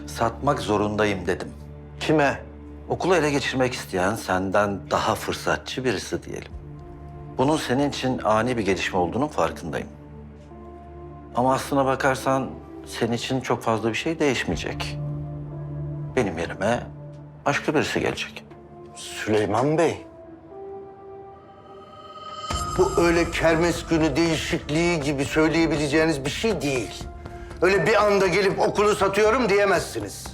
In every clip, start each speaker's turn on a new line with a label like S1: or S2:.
S1: Satmak zorundayım dedim.
S2: Kime?
S1: Okulu ele geçirmek isteyen senden daha fırsatçı birisi diyelim. Bunun senin için ani bir gelişme olduğunun farkındayım. Ama aslına bakarsan senin için çok fazla bir şey değişmeyecek. Benim yerime başka birisi gelecek.
S2: Süleyman Bey. Bu öyle kermes günü değişikliği gibi söyleyebileceğiniz bir şey değil. Öyle bir anda gelip okulu satıyorum diyemezsiniz.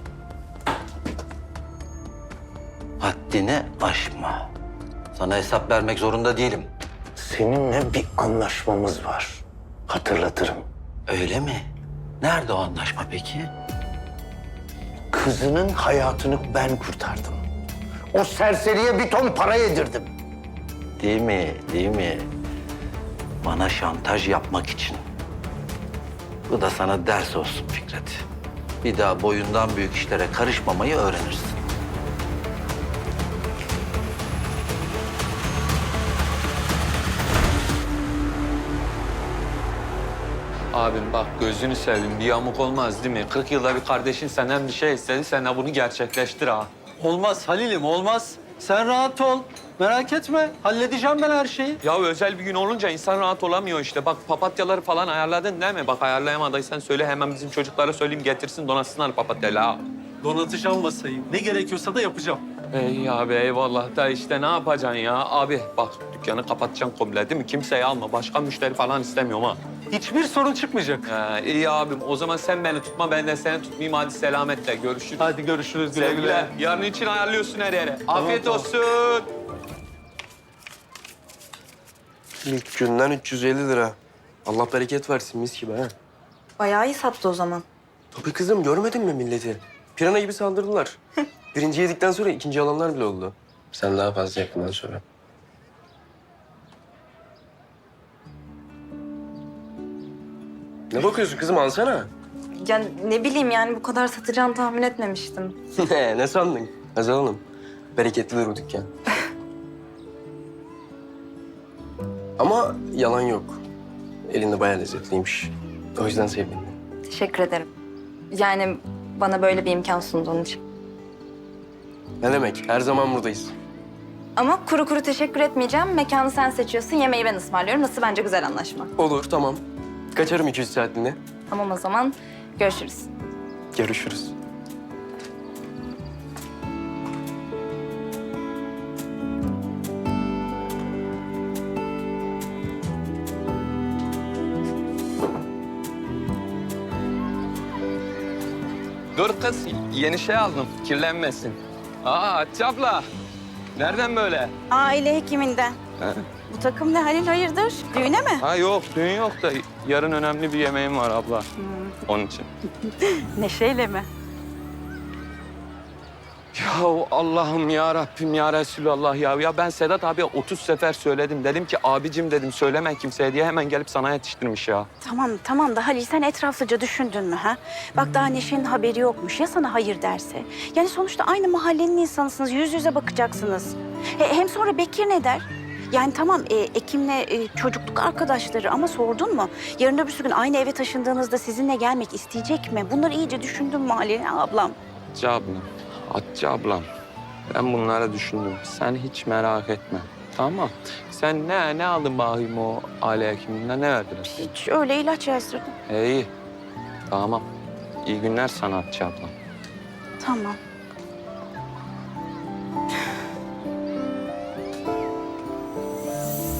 S1: Haddini aşma. Sana hesap vermek zorunda değilim.
S2: Seninle bir anlaşmamız var. Hatırlatırım.
S1: Öyle mi? Nerede o anlaşma peki?
S2: Kızının hayatını ben kurtardım. O serseriye bir ton para yedirdim.
S1: Değil mi? Değil mi? Bana şantaj yapmak için. Bu da sana ders olsun Fikret. Bir daha boyundan büyük işlere karışmamayı öğrenirsin.
S3: Abim bak gözünü seveyim bir yamuk olmaz değil mi? 40 yılda bir kardeşin senden bir şey istedi, sen de bunu gerçekleştir ha.
S4: Olmaz Halil'im, olmaz. Sen rahat ol. Merak etme. Halledeceğim ben her şeyi.
S3: Ya özel bir gün olunca insan rahat olamıyor işte. Bak papatyaları falan ayarladın değil mi? Bak ayarlayamadıysan söyle hemen bizim çocuklara söyleyeyim getirsin donatsınlar papatyaları ha.
S4: Donatacağım masayı. Ne gerekiyorsa da yapacağım.
S3: Ey abi eyvallah da işte ne yapacaksın ya? Abi bak dükkanı kapatacaksın komple değil mi? Kimseyi alma. Başka müşteri falan istemiyorum ha.
S4: Hiçbir sorun çıkmayacak.
S3: İyi abim o zaman sen beni tutma ben de seni tutmayayım. Hadi selametle görüşürüz.
S4: Hadi görüşürüz güle güle.
S3: Sevgiler. Yarın için ayarlıyorsun her yere. Afiyet
S4: tamam.
S3: olsun.
S5: İlk günden 350 lira. Allah bereket versin mis gibi ha.
S6: Bayağı iyi sattı o zaman.
S5: Tabii kızım görmedin mi milleti? Pirana gibi saldırdılar. Birinci yedikten sonra ikinci alanlar bile oldu. Sen daha fazla yakından sonra. Ne bakıyorsun kızım alsana.
S6: Ya ne bileyim yani bu kadar satacağını tahmin etmemiştim.
S5: Ne sandın? Hazal Hanım. Bereketlidir bu dükkan. Ama yalan yok. Elinde bayağı lezzetliymiş. O yüzden sevdim.
S6: Teşekkür ederim. Yani bana böyle bir imkan sunduğun için.
S5: Ne demek? Her zaman buradayız.
S6: Ama kuru kuru teşekkür etmeyeceğim. Mekanı sen seçiyorsun, yemeği ben ısmarlıyorum. Nasıl bence güzel anlaşma.
S5: Olur tamam. Kaçarım 200 saatliğine.
S6: Tamam o zaman görüşürüz.
S5: Görüşürüz.
S3: Dur kız, yeni şey aldım. Kirlenmesin. Hatice abla. Nereden böyle?
S7: Aile hekiminden.
S3: Ha?
S7: Bu takım ne Halil hayırdır? Düğüne mi?
S3: Ha yok, düğün yok da yarın önemli bir yemeğim var abla. Onun için.
S7: Neşeyle mi?
S3: Ya Allah'ım ya Rabbim ya Resulallah ya. Ya ben Sedat abiye 30 sefer söyledim. Dedim ki abicim dedim söyleme kimseye diye hemen gelip sana yetiştirmiş ya.
S7: Tamam da Halil sen etraflıca düşündün mü ha? Bak daha Neşe'nin haberi yokmuş ya sana hayır derse. Yani sonuçta aynı mahallenin insanısınız, yüz yüze bakacaksınız. Hem sonra Bekir ne der? Yani tamam Ekim'le çocukluk arkadaşları ama sordun mu? Yarın öbür gün aynı eve taşındığınızda sizinle gelmek isteyecek mi? Bunları iyice düşündün mü Halil ablam?
S3: Hatice ablam. Ben bunları düşündüm. Sen hiç merak etme. Tamam. Sen ne aldın bakayım o aile hekiminden ne verdiler?
S7: Hiç öyle ilaç yazdırdım.
S3: İyi. Tamam. İyi günler sana Hatice ablam.
S7: Tamam.